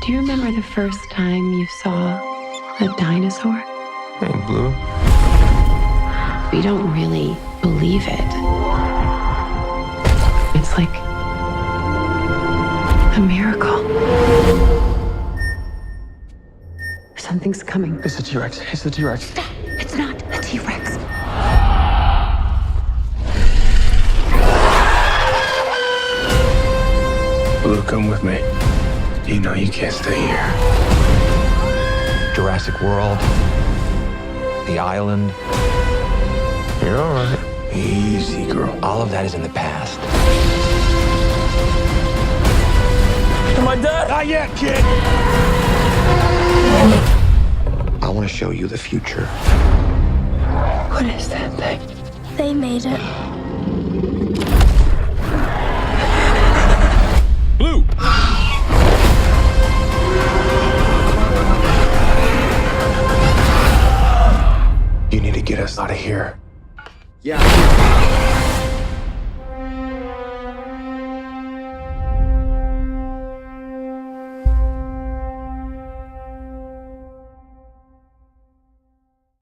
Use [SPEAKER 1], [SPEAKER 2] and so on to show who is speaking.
[SPEAKER 1] Do you remember the first time you saw a dinosaur?
[SPEAKER 2] Hey, Blue.
[SPEAKER 1] We don't really believe it. It's like a miracle. Something's coming.
[SPEAKER 2] It's a T-Rex. It's a T-Rex.
[SPEAKER 1] Stop! It's not a T-Rex.
[SPEAKER 2] Blue, come with me. You know you can't stay here.
[SPEAKER 3] Jurassic World, The Island,
[SPEAKER 2] You're all right. Easy, girl.
[SPEAKER 3] all of that is in the past.
[SPEAKER 2] Am I dead? Not yet, kid.
[SPEAKER 3] I want to show you the future.
[SPEAKER 1] What is that thing?
[SPEAKER 4] They made it.
[SPEAKER 2] Blue. You need to get us out of here.
[SPEAKER 3] Yeah.